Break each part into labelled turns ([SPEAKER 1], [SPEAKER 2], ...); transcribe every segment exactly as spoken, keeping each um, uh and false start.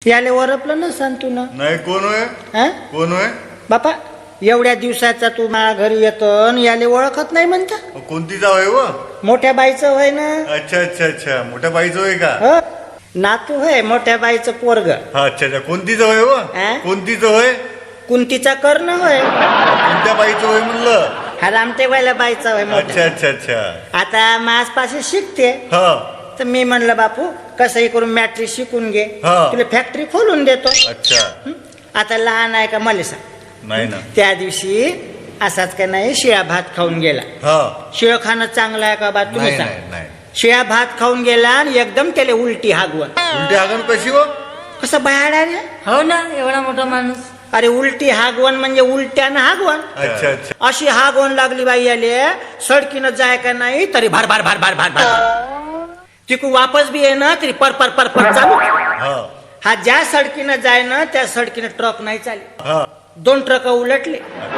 [SPEAKER 1] याले ओरपलं ना सांग तू ना.
[SPEAKER 2] नाही कोण होय
[SPEAKER 1] हा
[SPEAKER 2] कोण होय
[SPEAKER 1] बापा एवढ्या दिवसाचा तू माझ्या घरी येतो आणि याले ओळखत नाही म्हणता.
[SPEAKER 2] कोणती जाव आहे व
[SPEAKER 1] मोठ्या बाईचं होय ना.
[SPEAKER 2] अच्छा अच्छा अच्छा मोठ्या बाईचं होय का
[SPEAKER 1] हो नातू होय मोठ्या बाईचं पोरग.
[SPEAKER 2] हा अच्छा अच्छा कोणती जाव आहे व
[SPEAKER 1] हा?
[SPEAKER 2] कोणतीच होय
[SPEAKER 1] कुंतीचा कर्ण होय.
[SPEAKER 2] कोणत्या बाईचं होय म्हणलं
[SPEAKER 1] हा रामटेवाल्या बाईचा होय मोठा.
[SPEAKER 2] अच्छा अच्छा अच्छा
[SPEAKER 1] आता माझपाशी शिकते
[SPEAKER 2] हा
[SPEAKER 1] तर मी म्हणलं बापू कसंही करून मॅट्रिक शिकून घे
[SPEAKER 2] हा.
[SPEAKER 1] तुला फॅक्टरी खोलून देतो.
[SPEAKER 2] अच्छा
[SPEAKER 1] हं? आता लहान आहे का मला सांग.
[SPEAKER 2] नाही ना
[SPEAKER 1] त्या दिवशी असाच का नाही शिळा भात खाऊन गेला.
[SPEAKER 2] हा
[SPEAKER 1] शिळ खाणं चांगलं आहे का बा तुम्ही
[SPEAKER 2] नाही
[SPEAKER 1] सांग.
[SPEAKER 2] नाही नाही
[SPEAKER 1] शिळा भात खाऊन गेला आणि एकदम त्याला उलटी हागवण.
[SPEAKER 2] उलटी आगन कशी व
[SPEAKER 1] कसं बाहेर आहे.
[SPEAKER 3] हो ना एवढा मोठा माणूस.
[SPEAKER 1] अरे उलटी हागवण म्हणजे उलट्यानं हागवण.
[SPEAKER 2] अच्छा अच्छा
[SPEAKER 1] अशी हागवण लागली बाई आले सडकीनं जाय का नाही तरी भार भार भार भार भार भार तिकून वापस बी ये ना तरी पर पर पर पर चालू.
[SPEAKER 2] हा
[SPEAKER 1] हा ज्या सडकीनं जाय ना त्या सडकीनं ट्रक नाही चालली.
[SPEAKER 2] हा
[SPEAKER 1] दोन ट्रक उलटले.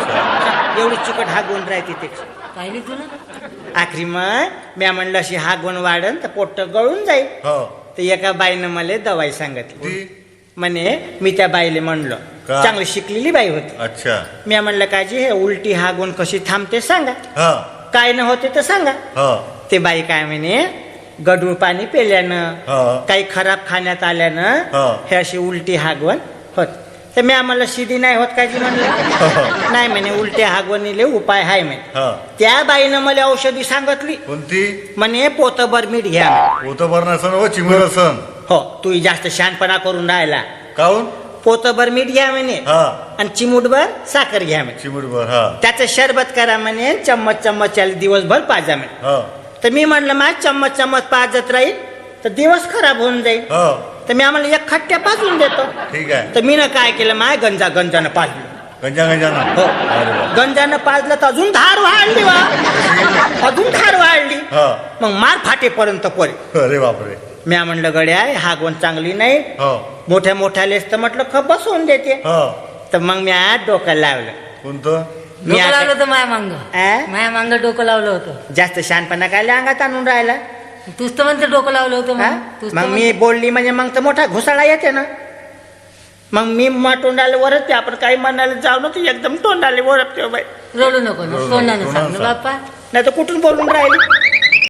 [SPEAKER 2] अच्छा
[SPEAKER 1] एवढी चिकट हागवण राहते त्याची.
[SPEAKER 3] पाहिली तुला.
[SPEAKER 1] आखरी मग म्या म्हणलं अशी हागवण वाढन तर पोट गळून जाईल.
[SPEAKER 2] हो
[SPEAKER 1] तर एका बाईनं मला दवाई सांगितली.
[SPEAKER 2] ती
[SPEAKER 1] म्हणे मी त्या बाईले म्हणलं
[SPEAKER 2] का?
[SPEAKER 1] चांगली शिकलेली बाई होती.
[SPEAKER 2] अच्छा
[SPEAKER 1] म्या म्हणलं काजी हे उलटी हागवण कशी थांबते सांगा.
[SPEAKER 2] हा
[SPEAKER 1] काय न होते तर सांगा.
[SPEAKER 2] हा
[SPEAKER 1] ते बाई काय म्हणे गढूळ पाणी पेल्यानं
[SPEAKER 2] हा.
[SPEAKER 1] काही खराब खाण्यात आल्यानं
[SPEAKER 2] हा.
[SPEAKER 1] हे अशी उलटी हागवण होत. तर मी आम्हाला शिदी नाही होत काजी म्हणलं. नाही म्हणे उलट्या हागवणीले उपाय हाय म्हणे.
[SPEAKER 2] हा
[SPEAKER 1] त्या बाईनं मला औषधी सांगितली.
[SPEAKER 2] कोणती
[SPEAKER 1] म्हणे पोतभर मीठ घ्या म्हणे.
[SPEAKER 2] होतं बरं नसन व चिमर असन
[SPEAKER 1] हो तू जास्त शहाणपणा करून राहिला.
[SPEAKER 2] काऊन
[SPEAKER 1] पोतभर मीठ घ्या म्हणे
[SPEAKER 2] हा
[SPEAKER 1] आणि चिमूटभर साखर घ्या म्हणे.
[SPEAKER 2] चिमूटभर हा
[SPEAKER 1] त्याचं शरबत करा म्हणे चम्मच चम्मच चाल दिवसभर पाजा म्हणे.
[SPEAKER 2] हा
[SPEAKER 1] तर मी म्हटलं मा चम्मच चम्मच पाजत राहील तर दिवस खराब होऊन जाईल.
[SPEAKER 2] हा
[SPEAKER 1] तर मी आम्हाला एक खट्ट्या पाजून देतो.
[SPEAKER 2] ठीक आहे
[SPEAKER 1] तर मी ना काय केलं माय गंजा गंजानं पाजलं.
[SPEAKER 2] गंजा गंजा ना
[SPEAKER 1] हो
[SPEAKER 2] अरे वा.
[SPEAKER 1] गंजानं पाजलं तर अजून धार वाढली वा अजून धार वाढली.
[SPEAKER 2] हा
[SPEAKER 1] मग मार फाटेपर्यंत पडे.
[SPEAKER 2] अरे बापरे
[SPEAKER 1] मी म्हणलं गड्या हागवण चांगली नाही.
[SPEAKER 2] हो
[SPEAKER 1] मोठ्या मोठ्यालेच तर म्हटलं खप बसवून देते.
[SPEAKER 2] हो
[SPEAKER 1] तर मग मी आज डोकं लावलं.
[SPEAKER 2] कोणतं
[SPEAKER 1] मी
[SPEAKER 3] डोकं
[SPEAKER 1] आता-
[SPEAKER 3] लावलं होतं माया मांग.
[SPEAKER 1] आ?
[SPEAKER 3] माया मांग डोकं लावलं होतं.
[SPEAKER 1] जास्त शहाणपणा काय अंगात आणून राहिला.
[SPEAKER 3] तूच तर म्हणते डोकं लावलं होतं
[SPEAKER 1] हा?
[SPEAKER 3] मग. तूच तर
[SPEAKER 1] मग मी
[SPEAKER 3] म्हणते.
[SPEAKER 1] बोलली म्हणजे मग तर मोठा घुसाळा येते ना. मग मी मा तोंडाला वरते आपण काही म्हणायला जाऊ ना तू एकदम तोंडाला वरपते बाई.
[SPEAKER 3] रडू नको ना
[SPEAKER 2] रडू नको.
[SPEAKER 3] तोंडानं सांग ना
[SPEAKER 2] तोंडानं सांग.
[SPEAKER 3] बाप्पा.
[SPEAKER 1] नाही तर कुठून बोलून राहिली.